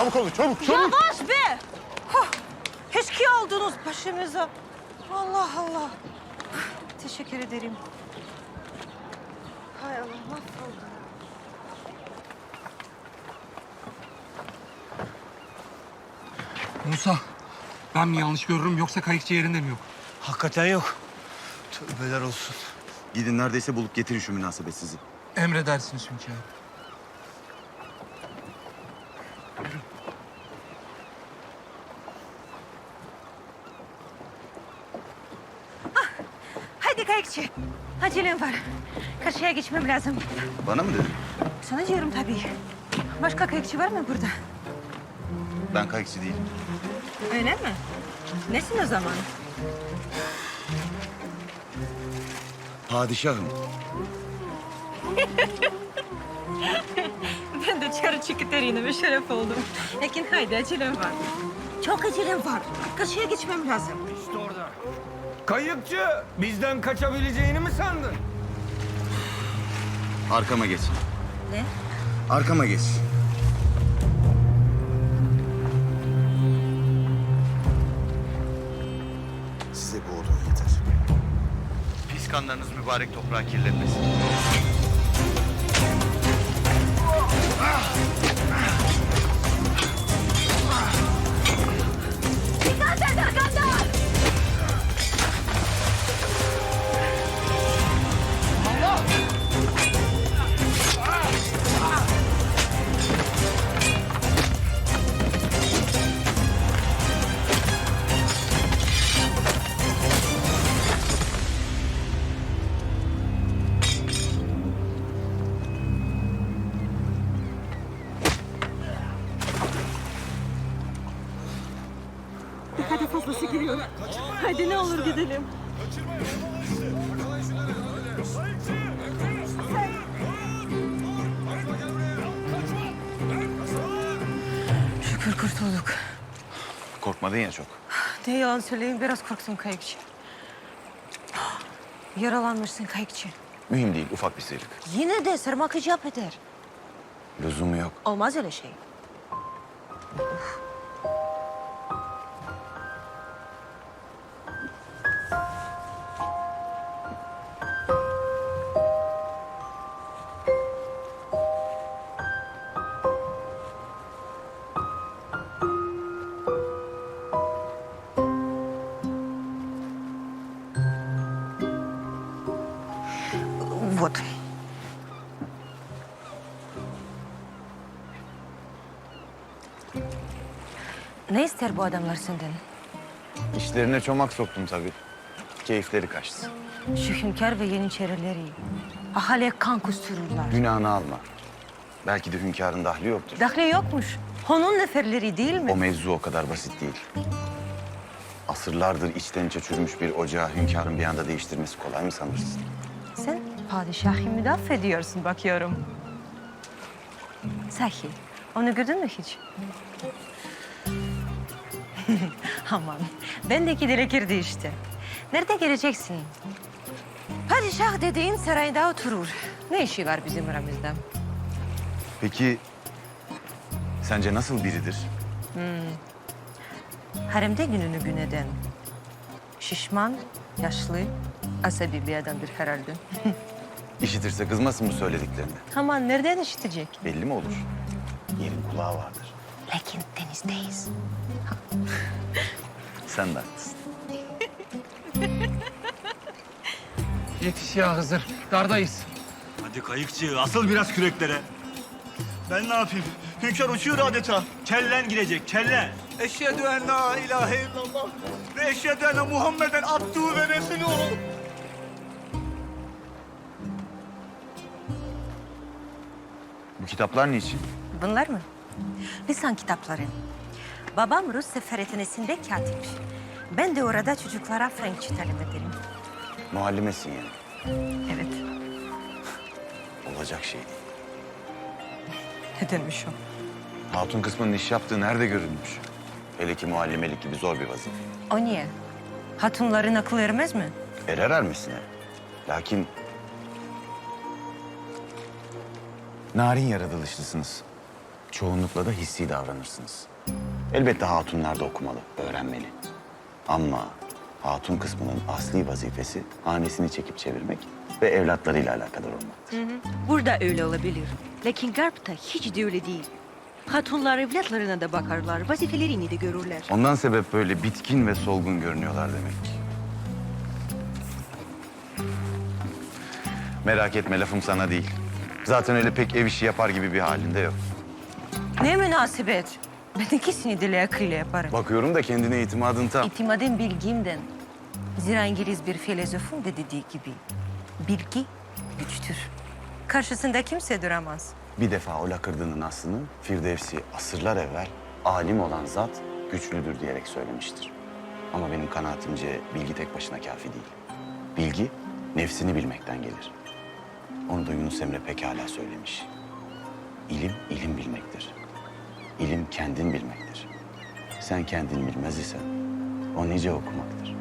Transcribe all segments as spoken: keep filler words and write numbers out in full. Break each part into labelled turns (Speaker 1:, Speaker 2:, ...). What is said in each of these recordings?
Speaker 1: Çabuk olun, çabuk, çabuk.
Speaker 2: Yavaş be! Huh, Eşkıya oldunuz başımıza. Allah Allah. Teşekkür ederim. Hay Allah, mahvoldum.
Speaker 3: Musa, ben mi yanlış görürüm yoksa kayıkçı yerinde mi yok?
Speaker 1: Hakikaten yok. Tövbeler olsun.
Speaker 4: Gidin neredeyse bulup getirin şu münasebetsizi.
Speaker 3: Emredersiniz hünkârım.
Speaker 2: Hadi kayıkçı. Acelem var. Karşıya geçmem lazım.
Speaker 4: Bana mı dedin?
Speaker 2: Sana diyorum tabii. Başka kayıkçı var mı burada?
Speaker 4: Ben kayıkçı değilim.
Speaker 2: Öyle mi? Nesin o zaman?
Speaker 4: Padişahım.
Speaker 2: Ben de çarı çıkıterine bir şeref oldum. Lakin haydi acelem var. Çok acelem var. Karşıya geçmem lazım.
Speaker 5: İşte orada. Kayıkçı, bizden kaçabileceğini mi sandın?
Speaker 4: Arkama geç.
Speaker 2: Ne?
Speaker 4: Arkama geç. Size bu odun yeter. Pis kanlarınız mübarek toprağı kirletmesin.
Speaker 2: Dikkat et arkandan! Hadi fazlası giriyor. Hadi ne olur gidelim. Şükür kurtulduk.
Speaker 4: Korkmadın ya çok.
Speaker 2: Ne yalan söyleyeyim, biraz korktum kayıkçı. Yaralanmışsın kayıkçı.
Speaker 4: Mühim değil, ufak bir sıyrık.
Speaker 2: Yine de sarmak icap eder.
Speaker 4: Lüzumu yok.
Speaker 2: Olmaz öyle şey. Вот. Ne ister bu adamlar senden?
Speaker 4: İşlerine çomak soktum tabii. Keyifleri kaçtı.
Speaker 2: Şu hünkâr ve yeniçerileri ahaliye kan kustururlar.
Speaker 4: Günahını alma. Belki de hünkârın dahli yoktur.
Speaker 2: Dahli yokmuş. Onun neferleri değil mi?
Speaker 4: O mevzu o kadar basit değil. Asırlardır içten içe çürümüş bir ocağı hünkârın bir anda değiştirmesi kolay mı sanırsın?
Speaker 2: Sen padişahı müdafaa ediyorsun bakıyorum. Sahi, onu gördün mü hiç? Aman, bendeki dilekirdi işte. Nerede geleceksin? Padişah dediğin sarayda oturur. Ne işi var bizim aramızda?
Speaker 4: Peki sence nasıl biridir?
Speaker 2: Haremde gününü gün eden. Şişman, yaşlı, asabi bir adamdır herhalde.
Speaker 4: İşitirse kızmasın bu söylediklerini.
Speaker 2: Aman nereden işitecek?
Speaker 4: Belli mi olur? Yerin kulağı vardır.
Speaker 2: Lakin denizdeyiz.
Speaker 4: Sen de haklısın.
Speaker 3: Yetiş ya Hızır, dardayız.
Speaker 1: Hadi kayıkçı, asıl biraz küreklere. Ben ne yapayım? Hünkâr uçuyor adeta. Kellen girecek, kellen. Eşhedü en la ilahe illallah ve eşhedü enne Muhammeden abduhu ve resulühü.
Speaker 4: Bu kitaplar niçin?
Speaker 2: Bunlar mı? Lisan kitapları. Babam Rus seferetinesinde katip. Ben de orada çocuklara Frenkçe talim ederim.
Speaker 4: Muallimesin yani.
Speaker 2: Evet.
Speaker 4: Olacak şey değil.
Speaker 2: Nedenmiş o?
Speaker 4: Hatun kısmının iş yaptığı nerede görülmüş? Hele ki muallimelik gibi zor bir vazife.
Speaker 2: O niye? Hatunların akıl ermez mi?
Speaker 4: Erer ermesine. Lakin... narin yaratılışlısınız.
Speaker 6: çoğunlukla da hissi davranırsınız. Elbette hatunlar da okumalı, öğrenmeli. Ama hatun kısmının asli vazifesi hanesini çekip çevirmek ve evlatlarıyla alakadar olmak.
Speaker 2: Burada öyle olabilir. Lakin Garp'ta hiç de öyle değil. Hatunlar evlatlarına da bakarlar, vazifelerini de görürler.
Speaker 6: Ondan sebep böyle bitkin ve solgun görünüyorlar demek. Merak etme, lafım sana değil. Zaten öyle pek ev işi yapar gibi bir halinde yok.
Speaker 2: Ne münasebet. Ben ikisini de layıkıyla yaparım.
Speaker 6: Bakıyorum da kendine itimadın tam.
Speaker 2: İtimadım bilgimden. Zira İngiliz bir filozofun da dediği gibi bilgi güçtür. Karşısında kimse duramaz.
Speaker 6: Bir defa o lakırdının aslını Firdevsi asırlar evvel alim olan zat güçlüdür diyerek söylemiştir. Ama benim kanaatimce bilgi tek başına kafi değil. Bilgi nefsini bilmekten gelir. Onu da Yunus Emre pekala söylemiş. İlim, ilim bilmektir. İlim kendin bilmektir. Sen kendin bilmez isen o nice okumaktır.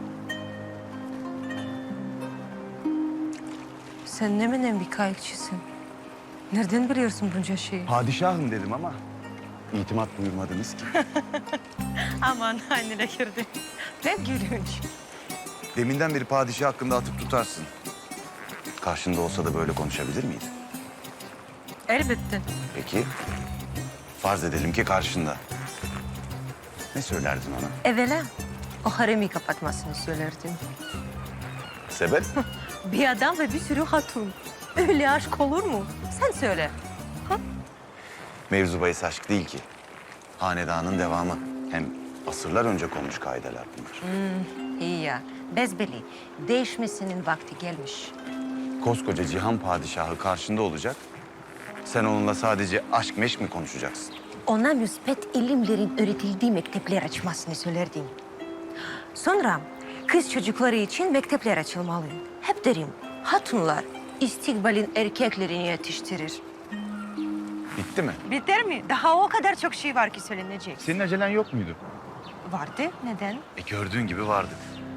Speaker 2: Sen ne menen bir kayıkçısın. Nereden biliyorsun bunca şeyi?
Speaker 6: Padişahım dedim ama itimat buyurmadınız ki.
Speaker 2: Aman annene girdi. Ne gülünç.
Speaker 6: Deminden beri padişah hakkında atıp tutarsın. Karşında olsa da böyle konuşabilir miydi?
Speaker 2: Elbette.
Speaker 6: Peki, farz edelim ki karşında. Ne söylerdin ona?
Speaker 2: Evvela o haremi kapatmasını söylerdim.
Speaker 6: Sebep?
Speaker 2: Bir adam ve bir sürü hatun. Öyle aşk olur mu? Sen söyle.
Speaker 6: Mevzu bahis aşk değil ki. Hanedanın devamı. Hem asırlar önce konmuş kaideler bunlar.
Speaker 2: İyi ya. Bezbeli. Değişmesinin vakti gelmiş.
Speaker 6: Koskoca cihan padişahı karşında olacak. Sen onunla sadece aşk meşk mi konuşacaksın?
Speaker 2: Ona müspet ilimlerin öğretildiği mektepler açmasını söylerdim. Sonra kız çocukları için mektepler açılmalı. Hep derim, hatunlar istikbalin erkeklerini yetiştirir.
Speaker 6: Bitti mi?
Speaker 2: Biter mi? Daha o kadar çok şey var ki söylenecek.
Speaker 6: Senin acelen yok muydu?
Speaker 2: Vardı. Neden?
Speaker 6: E gördüğün gibi vardı.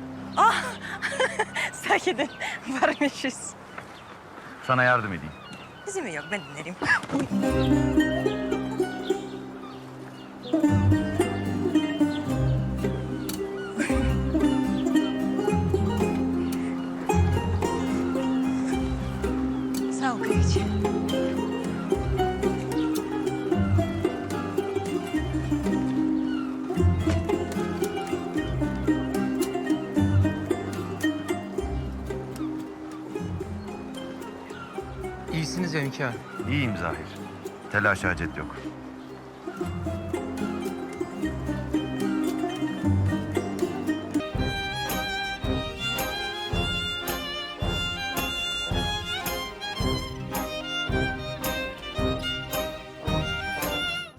Speaker 2: Sahiden varmışız.
Speaker 6: Sana yardım edeyim.
Speaker 2: Bizim yok, ben dinlerim. Sağ ol kıyıcı.
Speaker 3: İyisiniz ya hünkârım.
Speaker 6: İyiyim Zahir. Telaş hacet yok.